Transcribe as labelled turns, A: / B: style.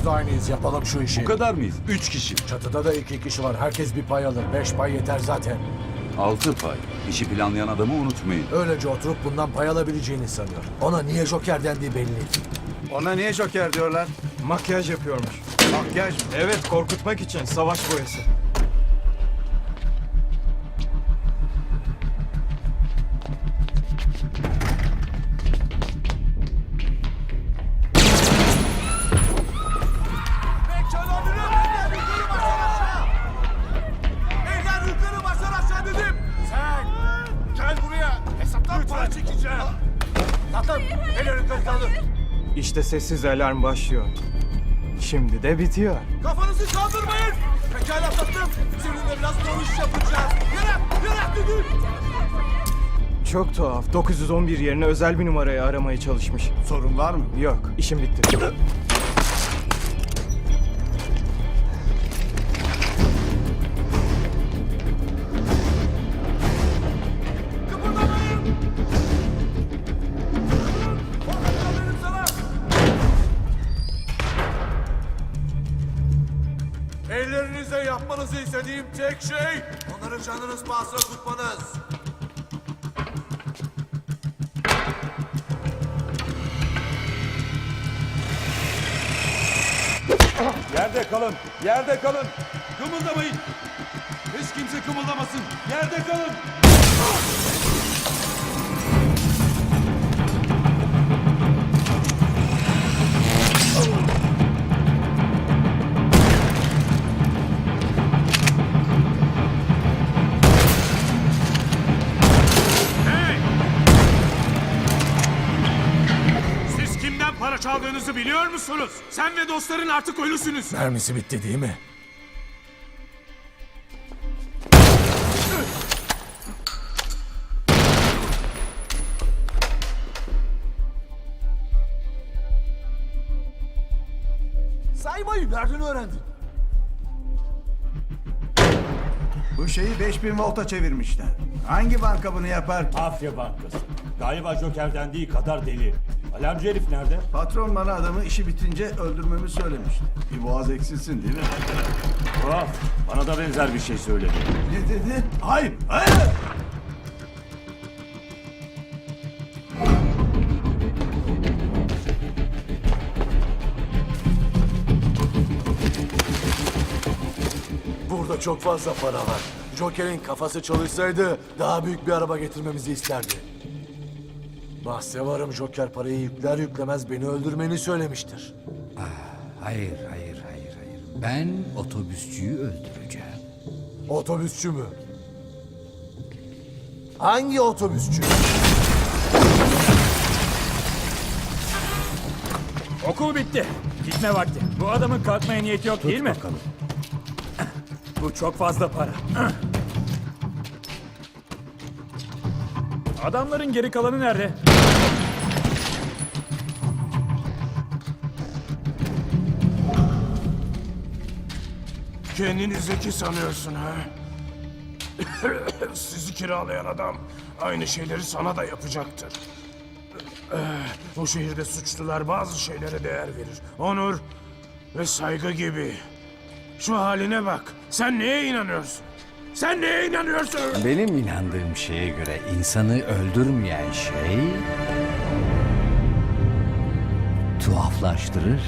A: aynıyız. Yapalım şu işi.
B: Bu kadar mıyız? 3 kişi.
A: Çatıda da 2 kişi var. Herkes bir pay alır. 5 pay yeter zaten.
B: 6 pay. İşi planlayan adamı unutmayın.
A: Öylece oturup bundan pay alabileceğini sanıyor. Ona niye Joker dendiği belli.
C: Ona niye Joker diyorlar?
D: Makyaj yapıyormuş.
C: Makyaj mı?
D: Evet, korkutmak için savaş boyası. İşte sessiz alarm başlıyor. Şimdi de bitiyor.
E: Kafanızı kaldırmayın. Pekala tatlım. Seninle biraz dövüş yapacağız. Yere dedim.
D: Çok tuhaf. 911 yerine özel bir numarayı aramaya çalışmış.
C: Sorun var mı?
D: Yok, işim bitti.
E: Kıpırdamayın. Dedim sana. Ellerinizle yapmanızı istediğim tek şey onları canınız pahasına tutmanız.
B: Yerde kalın. Yerde kalın. Kımıldamayın. Hiç kimse kımıldamasın. Yerde kalın.
E: Siz kimden para çaldığınızı biliyor musunuz? Sen ve dostların artık ölüsünüz.
A: Mermisi bitti değil mi?
E: Saymayı nereden öğrendin?
C: Bu şeyi 5000 volta çevirmişler. Hangi banka bunu yapar?
F: Afya Bankası. Galiba Joker dendiği kadar deli. Alarmcı herif nerede?
C: Patron bana adamı işi bitince öldürmemi söylemişti. Bir boğaz eksilsin değil mi?
F: Tuhaf. Bana da benzer bir şey söyledi.
C: Ne dedi? Hayır, hayır!
A: Burada çok fazla para var. Joker'in kafası çalışsaydı daha büyük bir araba getirmemizi isterdi. Bahse varım, Joker parayı yükler yüklemez beni öldürmeni söylemiştir.
G: Hayır. Ben otobüsçüyü öldüreceğim.
A: Otobüsçü mü? Hangi otobüsçü?
H: Okul bitti. Gitme vakti. Bu adamın kalkmaya niyeti yok değil mi?
F: Bakalım.
H: Bu çok fazla para. Adamların geri kalanı nerede?
E: Kendini zeki sanıyorsun ha? Sizi kiralayan adam aynı şeyleri sana da yapacaktır. Bu şehirde suçlular bazı şeylere değer verir. Onur ve saygı gibi. Şu haline bak. Sen neye inanıyorsun? Sen neye inanıyorsun?
G: Benim inandığım şeye göre insanı öldürmeyen şey tuhaflaştırır.